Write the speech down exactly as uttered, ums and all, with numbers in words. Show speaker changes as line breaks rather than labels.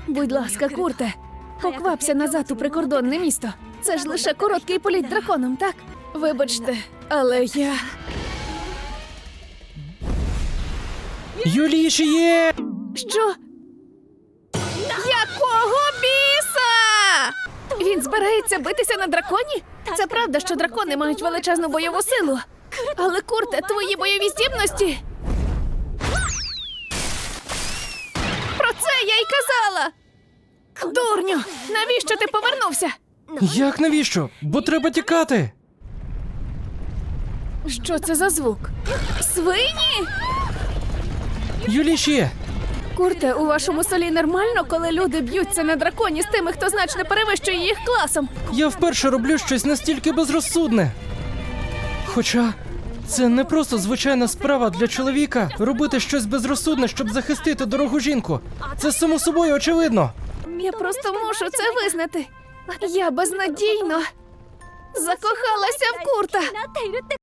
Будь ласка, Курте, поквапся назад у прикордонне місто. Це ж лише короткий політ драконом, так? Вибачте, але я...
Юлішіє!
Що? Якого біса? Він збирається битися на драконі? Це правда, що дракони мають величезну бойову силу. Але, Курте, твої бойові здібності... Про це я й казала! Дурню, навіщо ти повернувся?
Як навіщо? Бо треба тікати!
Що це за звук? Свині?
Юлішіє!
Курте, у вашому селі нормально, коли люди б'ються на драконі з тими, хто значно перевищує їх класом?
Я вперше роблю щось настільки безрозсудне. Хоча це не просто звичайна справа для чоловіка робити щось безрозсудне, щоб захистити дорогу жінку. Це само собою очевидно.
Я просто мушу це визнати. Я безнадійно закохалася в Курта.